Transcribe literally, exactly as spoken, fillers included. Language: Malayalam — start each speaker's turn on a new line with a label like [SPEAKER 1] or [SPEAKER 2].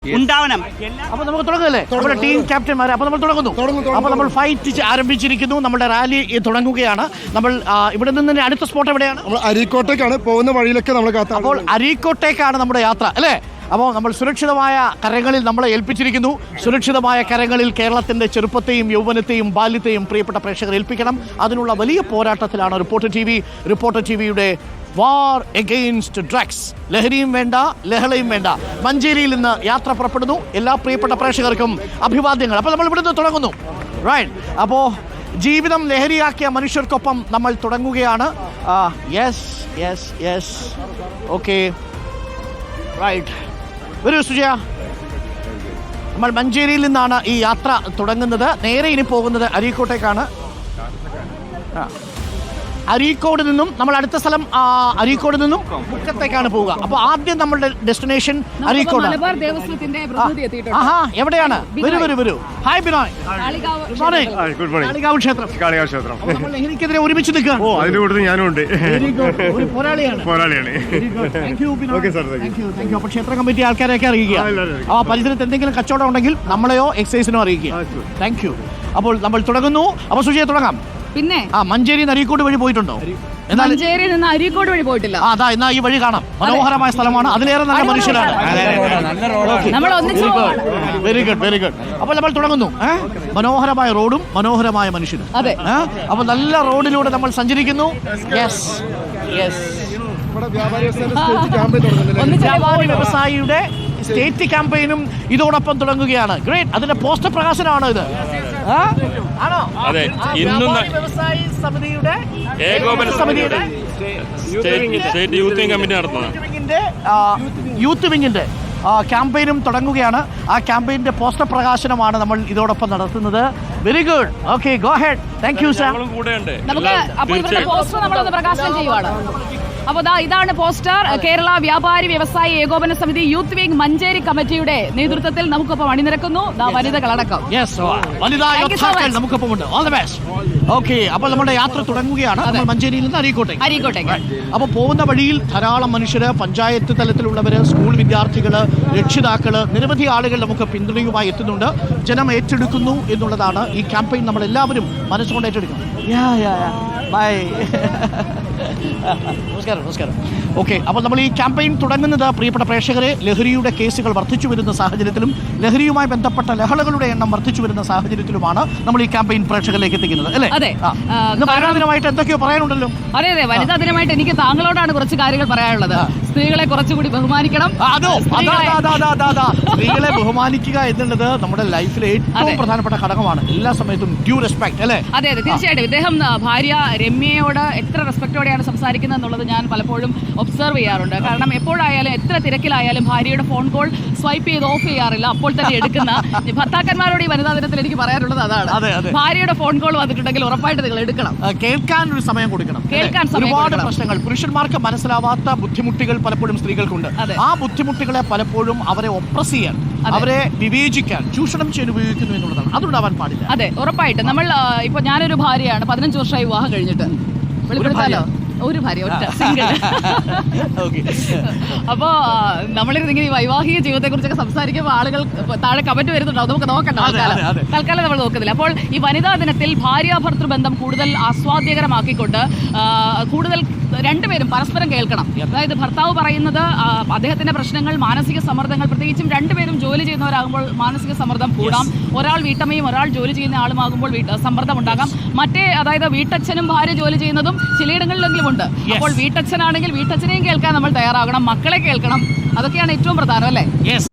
[SPEAKER 1] ഉണ്ടാവണം.
[SPEAKER 2] അപ്പൊ നമുക്ക് തുടങ്ങല്ലേ നമ്മുടെ ടീം ക്യാപ്റ്റന്മാരെ. അപ്പൊ നമ്മൾ തുടങ്ങുന്നു. അപ്പൊ നമ്മൾ ഫൈറ്റ് ആരംഭിച്ചിരിക്കുന്നു. നമ്മുടെ റാലി തുടങ്ങുകയാണ്. നമ്മൾ ഇവിടെ നിന്ന് അടുത്ത സ്പോട്ട് എവിടെയാണ്?
[SPEAKER 3] അരീക്കോട്ടേക്കാണ് പോകുന്ന വഴിയിലൊക്കെ നമ്മൾ കാത്ത.
[SPEAKER 2] അപ്പോൾ അരീക്കോട്ടേക്കാണ് നമ്മുടെ യാത്ര അല്ലേ? അപ്പോൾ നമ്മൾ സുരക്ഷിതമായ കരങ്ങളിൽ നമ്മളെ ഏൽപ്പിച്ചിരിക്കുന്നു. സുരക്ഷിതമായ കരങ്ങളിൽ കേരളത്തിന്റെ ചെറുപ്പത്തെയും യൗവനത്തെയും ബാല്യത്തെയും പ്രിയപ്പെട്ട പ്രേക്ഷകർ ഏൽപ്പിക്കണം. അതിനുള്ള വലിയ പോരാട്ടത്തിലാണ് reporter T V reporter T വിയുടെ വാർ എഗെയിൻസ്റ്റ് ഡ്രഗ്സ്. ലഹരിയും വേണ്ട, ലഹളയും വേണ്ട. മഞ്ചേരിയിൽ നിന്ന് യാത്ര പുറപ്പെടുന്നു. എല്ലാ പ്രിയപ്പെട്ട പ്രേക്ഷകർക്കും അഭിവാദ്യങ്ങൾ. അപ്പോൾ നമ്മൾ ഇവിടുന്ന് തുടങ്ങുന്നു. റൈറ്റ്. അപ്പോൾ ജീവിതം ലഹരിയാക്കിയ മനുഷ്യർക്കൊപ്പം നമ്മൾ തുടങ്ങുകയാണ്. Yes yes yes okay right. വരൂ സുജയ. നമ്മൾ മഞ്ചേരിയിൽ നിന്നാണ് ഈ യാത്ര തുടങ്ങുന്നത്. നേരെ ഇനി പോകുന്നത് അരീക്കോട്ടേക്കാണ്. ആ അരീക്കോട് നിന്നും നമ്മൾ അടുത്ത സ്ഥലം അരീക്കോട് നിന്നും മുക്കത്തേക്കാണ് പോവുക. അപ്പൊ ആദ്യം നമ്മളുടെ ഡെസ്റ്റിനേഷൻ അരീക്കോട്. ആഹാ, എവിടെയാണ്? വരൂ വരൂ വരൂ. ഹായ് ബിനോയ്. കാളികാവ് ക്ഷേത്രം. ലഹരിക്കെതിരെ ഒരുമിച്ച് നിൽക്കുകയാണ്.
[SPEAKER 3] ഓ, അതിന്റെ കൂട്ടത്തിൽ ഞാനും ഉണ്ട്.
[SPEAKER 2] ഒരു പോരാളിയാണ്.
[SPEAKER 3] പോരാളിയാണ്.
[SPEAKER 2] അപ്പൊ ക്ഷേത്ര കമ്മിറ്റി ആൾക്കാരെയൊക്കെ അറിയിക്കുക. ആ പരിസരത്ത് എന്തെങ്കിലും കച്ചവടം ഉണ്ടെങ്കിൽ നമ്മളെയോ എക്സൈസിനോ അറിയിക്കുക. Thank you. അപ്പോൾ നമ്മൾ തുടങ്ങുന്നു. അപ്പൊ സുജയ തുടങ്ങാം.
[SPEAKER 4] പിന്നെ
[SPEAKER 2] ആ മഞ്ചേരി അരീക്കോട് വഴി പോയിട്ടുണ്ടോ?
[SPEAKER 4] മഞ്ചേരി നിന്ന് അരീക്കോട് വഴി പോയിട്ടില്ല.
[SPEAKER 2] അതാ എന്നാ ഈ വഴി കാണാം. മനോഹരമായ സ്ഥലമാണ്. അതിലേറെ നല്ല മനുഷ്യരാണ്. Very good very good. അപ്പോൾ നമ്മൾ തുടങ്ങുന്നു. മനോഹരമായ റോഡും മനോഹരമായ മനുഷ്യനും.
[SPEAKER 4] അതെ.
[SPEAKER 2] അപ്പൊ നല്ല റോഡിലൂടെ നമ്മൾ സഞ്ചരിക്കുന്നു. Yes yes. വ്യാപാരി വ്യവസായിയുടെ സ്റ്റേറ്റ് ക്യാമ്പയിനും ഇതോടൊപ്പം തുടങ്ങുകയാണ്. ഗ്രേറ്റ്. അതിന്റെ പോസ്റ്റർ പ്രകാശനമാണോ ഇത്? ആണോ?
[SPEAKER 5] അതെ. ഇന്നും
[SPEAKER 2] വ്യവസായി സമിതിയുടെ
[SPEAKER 5] സമിതിയുടെ സ്റ്റേറ്റ് യൂത്ത് വിംഗ് കമ്മിറ്റി നടത്തുന്നത്
[SPEAKER 2] യൂത്ത് വിങ്ങിന്റെ ക്യാമ്പയിനും തുടങ്ങുകയാണ്. ആ ക്യാമ്പയിന്റെ പോസ്റ്റർ പ്രകാശനമാണ് നമ്മൾ ഇതോടൊപ്പം നടത്തുന്നത്. Very good. Okay, go ahead. Thank you sir.
[SPEAKER 4] നമുക്ക് അപ്പോൾ ഇവരുടെ പോസ്റ്റർ നമ്മളൊന്ന് പ്രകാശനം ചെയ്യുവാണ്. അപ്പോൾ ദാ ഇതാണ് പോസ്റ്റർ. കേരള വ്യാപാരി വ്യവസായി ഏകോപന സമിതി യൂത്ത് വിംഗ് മഞ്ചേരി കമ്മിറ്റിയുടെ നേതൃത്വത്തിൽ നമുക്കൊപ്പം അണിനിരക്കുന്നു വനിതകളടക്കം.
[SPEAKER 2] നമുക്കൊപ്പമുണ്ട്. All the best. ഓക്കെ, അപ്പോൾ നമ്മുടെ യാത്ര തുടങ്ങുകയാണ്. നമ്മൾ മഞ്ചേരിയിൽ നിന്ന് അരീക്കോട്ടേക്ക്.
[SPEAKER 4] അരീക്കോട്ടേക്ക്
[SPEAKER 2] അപ്പോൾ പോകുന്ന വഴിയിൽ ധാരാളം മനുഷ്യര്, പഞ്ചായത്ത് തലത്തിലുള്ളവര്, സ്കൂൾ വിദ്യാർത്ഥികള്, രക്ഷിതാക്കള്, നിരവധി ആളുകൾ നമുക്ക് പിന്തുണയുമായി എത്തുന്നുണ്ട്. ജനം ഏറ്റെടുക്കുന്നു എന്നുള്ളതാണ് ഈ ക്യാമ്പയിൻ. നമ്മൾ എല്ലാവരും മനസ്സുകൊണ്ട് ഏറ്റെടുക്കണം. ബൈ. നമസ്കാരം നമസ്കാരം. ഓക്കെ, അപ്പോൾ നമ്മൾ ഈ ക്യാമ്പയിൻ തുടങ്ങുന്നത് പ്രിയപ്പെട്ട പ്രേക്ഷകരെ, ലഹരിയുടെ കേസുകൾ വർദ്ധിച്ചു വരുന്ന സാഹചര്യത്തിലും ലഹരിയുമായി ബന്ധപ്പെട്ട ലഹളകളുടെ എണ്ണം വർദ്ധിച്ചു വരുന്ന സാഹചര്യത്തിലുമാണ് നമ്മൾ ഈ ക്യാമ്പയിൻ പ്രേക്ഷകരിലേക്ക് എത്തിക്കുന്നത് അല്ലേ?
[SPEAKER 4] അതെ.
[SPEAKER 2] വനിതാ ദിനമായിട്ട് എന്തൊക്കെയോ പറയാനുണ്ടല്ലോ.
[SPEAKER 4] അതെ അതെ, വനിതാ ദിനമായിട്ട് എനിക്ക് താങ്കളോടാണ് കുറച്ച് കാര്യങ്ങൾ പറയാനുള്ളത്. സ്ത്രീകളെ കുറച്ചുകൂടി ബഹുമാനിക്കണം.
[SPEAKER 2] അതോ സ്ത്രീകളെ ബഹുമാനിക്കുക എന്നുള്ളത് നമ്മുടെ ലൈഫിലെ ഏറ്റവും പ്രധാനപ്പെട്ട ഘടകമാണ്. എല്ലാ സമയത്തും ഡ്യൂ റെസ്പെക്ട് അല്ലേ?
[SPEAKER 4] അതെ അതെ, തീർച്ചയായിട്ടും. ഇദ്ദേഹം ഭാര്യ രമ്യയോട് എത്ര റെസ്പെക്ടോടെയാണ് സംസാരിക്കുന്നത് എന്നുള്ളത് ഞാൻ പലപ്പോഴും ഒബ്സർവ് ചെയ്യാറുണ്ട്. കാരണം എപ്പോഴായാലും എത്ര തിരക്കിലായാലും ഭാര്യയുടെ ഫോൺ കോൾ സ്വൈപ്പ് ചെയ്ത് ഓഫ് ചെയ്യാറില്ല, അപ്പോൾ തന്നെ എടുക്കുന്ന ഭർത്താക്കന്മാരോട് ഈ വനിതാ ദിനത്തിൽ എനിക്ക് പറയാനുള്ളത് അതാണ്. ഭാര്യയുടെ ഫോൺ കോൾ വന്നിട്ടുണ്ടെങ്കിൽ ഉറപ്പായിട്ട് നിങ്ങൾ എടുക്കണം.
[SPEAKER 2] കേൾക്കാൻ ഒരു സമയം കൊടുക്കണം.
[SPEAKER 4] കേൾക്കാൻ
[SPEAKER 2] ഒരുപാട് പ്രശ്നങ്ങൾ പുരുഷന്മാർക്ക് മനസ്സിലാവാത്ത ബുദ്ധിമുട്ടുകൾ പലപ്പോഴും സ്ത്രീകൾക്കുണ്ട്. ആ ബുദ്ധിമുട്ടുകളെ പലപ്പോഴും അവരെ ഒപ്രസ് ചെയ്യാൻ, അവരെ വിവേചിക്കാൻ, ചൂഷണം ചെയ്യാൻ ഉപയോഗിക്കുന്നു എന്നുള്ളതാണ്. അതുണ്ടാവാൻ പാടില്ല.
[SPEAKER 4] അതെ, ഉറപ്പായിട്ട്. നമ്മൾ ഇപ്പൊ ഞാനൊരു ഭാര്യയാണ്, പതിനഞ്ച് വർഷമായി വിവാഹം കഴിഞ്ഞിട്ട്. വെളിപ്പെടുത്താലോ? ഒരു ഭാര്യ, ഒറ്റ സിംഗിൾ. അപ്പോ നമ്മളിങ്ങനെ ഈ വൈവാഹിക ജീവിതത്തെ കുറിച്ചൊക്കെ സംസാരിക്കുമ്പോൾ ആളുകൾ താഴെ കമന്റ് വരുന്നുണ്ടാവും. നമുക്ക് നോക്കണ്ട, തൽക്കാലം നമ്മൾ നോക്കുന്നില്ല. അപ്പോൾ ഈ വനിതാ ദിനത്തിൽ ഭാര്യാഭർത്തൃ ബന്ധം കൂടുതൽ ആസ്വാദ്യകരമാക്കിക്കൊണ്ട് കൂടുതൽ രണ്ടുപേരും പരസ്പരം കേൾക്കണം. അതായത് ഭർത്താവ് പറയുന്നത് അദ്ദേഹത്തിന്റെ പ്രശ്നങ്ങൾ, മാനസിക സമ്മർദ്ദങ്ങൾ, പ്രത്യേകിച്ചും രണ്ടുപേരും ജോലി ചെയ്യുന്നവരാകുമ്പോൾ മാനസിക സമ്മർദ്ദം കൂടാം. ഒരാൾ വീട്ടമ്മയും ഒരാൾ ജോലി ചെയ്യുന്ന ആളുമാകുമ്പോൾ സമ്മർദ്ദം ഉണ്ടാകാം. മറ്റേ അതായത് വീട്ടച്ഛനും ഭാര്യ ജോലി ചെയ്യുന്നതും ചിലയിടങ്ങളിലെങ്കിലും ഉണ്ട്. അപ്പോൾ വീട്ടച്ഛനാണെങ്കിൽ വീട്ടച്ഛനെയും കേൾക്കാൻ നമ്മൾ തയ്യാറാകണം, മക്കളെ കേൾക്കണം. അതൊക്കെയാണ് ഏറ്റവും പ്രധാനം അല്ലേ?